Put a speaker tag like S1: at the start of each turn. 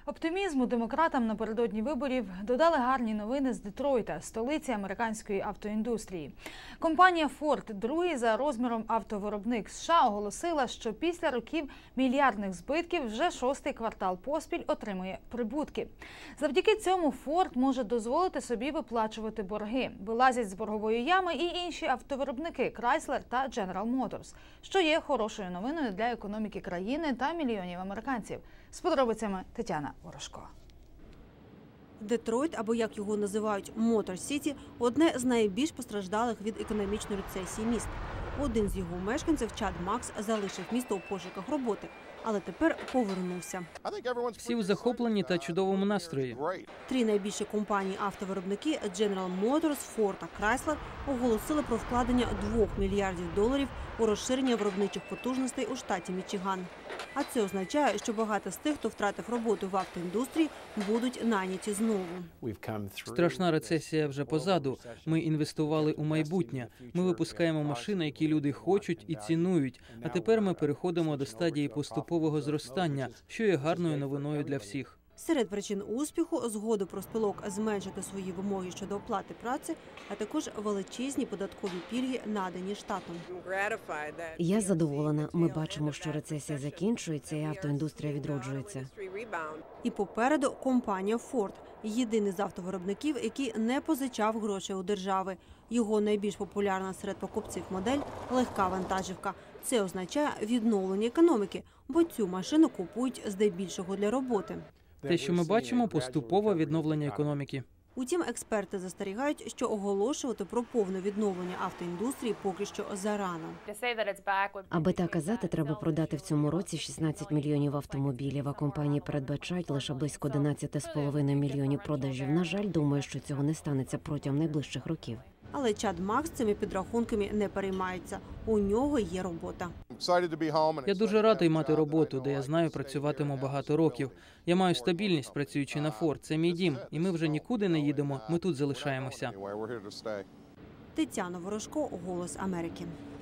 S1: Оптимізму демократам напередодні виборів додали гарні новини з Детройта, столиці американської автоіндустрії. Компанія Ford, другий за розміром автовиробник США, оголосила, що після років мільярдних збитків вже шостий квартал поспіль отримує прибутки. Завдяки цьому Ford може дозволити собі виплачувати борги. Вилазять з боргової ями і інші автовиробники Chrysler та General Motors, що є хорошою новиною для економіки країни та мільйонів американців. З подробицями Тетяна Ворожко.
S2: Детройт, або як його називають Мотор Сіті, одне з найбільш постраждалих від економічної рецесії міст. Один з його мешканців, Чад Макс, залишив місто у пошуках роботи, але тепер повернувся.
S3: Всі у захопленні та чудовому настрої.
S2: Три найбільші компанії-автовиробники – General Motors, Ford та Chrysler – оголосили про вкладення $2 мільярдів у розширення виробничих потужностей у штаті Мічиган. А це означає, що багато з тих, хто втратив роботу в автоіндустрії, будуть найняті знову.
S3: Страшна рецесія вже позаду. Ми інвестували у майбутнє. Ми випускаємо машини, які люди хочуть і цінують. А тепер ми переходимо до стадії поступового зростання, що є гарною новиною для всіх.
S2: Серед причин успіху – згоду профспілок зменшити свої вимоги щодо оплати праці, а також величезні податкові пільги, надані штатом.
S4: Я задоволена. Ми бачимо, що рецесія закінчується і автоіндустрія відроджується.
S2: І попереду компанія Ford – єдиний з автовиробників, який не позичав грошей у держави. Його найбільш популярна серед покупців модель – легка вантажівка. Це означає відновлення економіки, бо цю машину купують здебільшого для роботи.
S3: Те, що ми бачимо, поступове відновлення економіки.
S2: Утім, експерти застерігають, що оголошувати про повне відновлення автоіндустрії поки що зарано.
S4: Аби так казати, треба продати в цьому році 16 мільйонів автомобілів, а компанії передбачають лише близько 11,5 мільйонів продажів. На жаль, думаю, що цього не станеться протягом найближчих років.
S2: Але Чад Макс цими підрахунками не переймається. У нього є робота.
S3: Я дуже радий мати роботу, де я знаю, працюватиму багато років. Я маю стабільність, працюючи на Ford. Це мій дім, і ми вже нікуди не їдемо, ми тут залишаємося.
S2: Тетяна Ворожко, «Голос Америки».